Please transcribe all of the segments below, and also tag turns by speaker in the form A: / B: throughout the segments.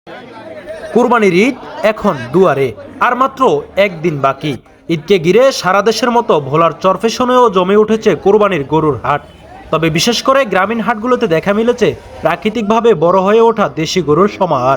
A: কুরবানির ঈদ এখন দুয়ারে, আর মাত্র একদিন বাকি। ঈদকে ঘিরে সারা দেশের মতো ভোলার চরফেশনেও জমে উঠেছে কোরবানির গরুর হাট। তবে বিশেষ করে গ্রামীণ হাটগুলোতে দেখা মিলেছে প্রাকৃতিকভাবে বড় হয়ে ওঠা দেশি গরুর সমাহার।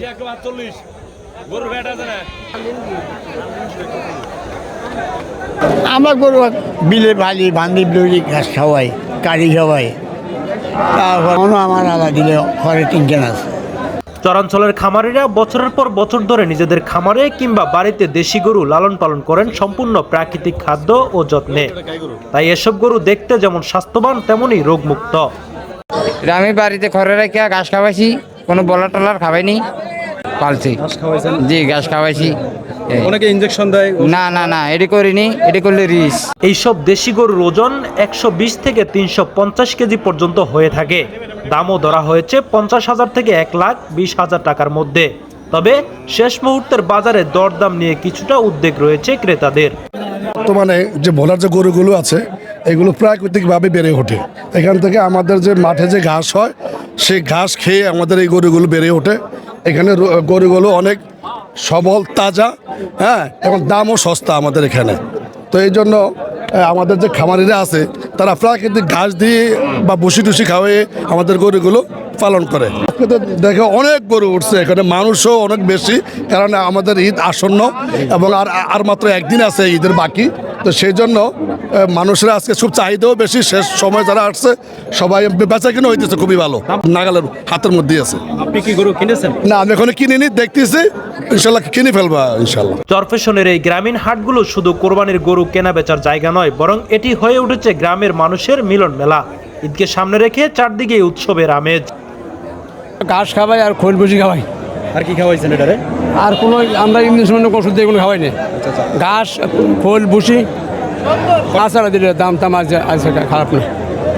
B: আমরা গরু বিলে বালি বান্ধি বিলি ঘাস খাওয়াই, কারি খাওয়াই। তারপর আমার আলাদা দিলে ঘরে তিনজন আছে।
A: চরাঞ্চলের খামারিরা বছরের পর বছর ধরে নিজেদের খামারে কিংবা বাড়িতে দেশি গরু লালন পালন করেন সম্পূর্ণ প্রাকৃতিক খাদ্য ও যত্নে। তাই এসব গরু দেখতে যেমন স্বাস্থ্যবান তেমনই রোগমুক্ত।
C: আমি বাড়িতে ঘরে রেখে ঘাস খাওয়াইছি, কোনো বলার টলার খাওয়াইনি, পালছি। জি, ঘাস খাওয়াইছি।
D: অনেকে ইনজেকশন দেয়।
C: না না না, এটি করিনি, এটি করলে রিস্ক।
A: এইসব দেশি গরুর ওজন 120 থেকে 350 কেজি পর্যন্ত হয়ে থাকে। দামও ধরা হয়েছে 50,000 থেকে 1,20,000 টাকার মধ্যে। তবে শেষ মুহূর্তের বাজারে দরদাম নিয়ে কিছুটা উদ্বেগ রয়েছে ক্রেতাদের।
E: বর্তমানে যে ভোলার যে গরুগুলো আছে এগুলো প্রাকৃতিকভাবে বেড়ে ওঠে। এখান থেকে আমাদের যে মাঠে যে ঘাস হয় সেই ঘাস খেয়ে আমাদের এই গরুগুলো বেড়ে ওঠে। এখানে গরুগুলো অনেক সবল, তাজা, হ্যাঁ, এবং দামও সস্তা আমাদের এখানে। তো এই জন্য আমাদের যে খামারিরা আছে তারা প্রাকৃতিক ঘাস দিয়ে বা বসি টুসি খাওয়িয়ে আমাদের গরুগুলো পালন করে। আজকে তো দেখে অনেক গরু উঠছে, এখানে মানুষও অনেক বেশি, কারণ আমাদের ঈদ আসন্ন এবং আর মাত্র একদিন আছে ঈদের বাকি। তো সেই জন্য মানুষেরা আজকে খুব চাহিদাও বেশি। শেষ সময় যারা আসছে সবাই বেচা কিনে হইতেছে খুবই ভালো, নাগালের হাতের মধ্যেই আছে।
D: আপনি কি গরু কিনেছেন?
E: না, আমি এখনো কিনিনি, দেখতেছি, ইনশাল্লাহ কিনে ফেলবা ইনশাল্লাহ।
A: চরফেশনের এই গ্রামীণ হাটগুলো শুধু কোরবানির গরু কেনা বেচার জায়গা নয়, বরং এটি হয়ে উঠেছে গ্রামের মানুষের মিলন মেলা। ঈদকে সামনে রেখে চারদিকে উৎসবের আমেজ।
F: ঘাস খাওয়াই আর খোল বসি খাওয়াই।
D: আর কি খাওয়াইছেন এটারে?
F: আর কোনো আমরা ইংলিশ ওষুধ দিয়ে কোনো খাওয়াই না। ঘাস, খোল বসি, আচারা দিলে দাম টাম আছে খারাপ না।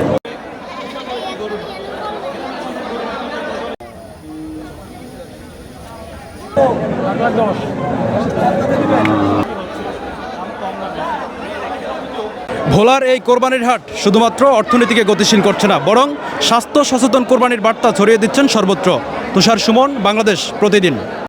D: ভোলার এই কোরবানির হাট শুধুমাত্র অর্থনীতিকে গতিশীল করছে না, বরং স্বাস্থ্য সচেতন কোরবানির বার্তা ছড়িয়ে দিচ্ছেন সর্বত্র। তুষার সুমন, বাংলাদেশ প্রতিদিন।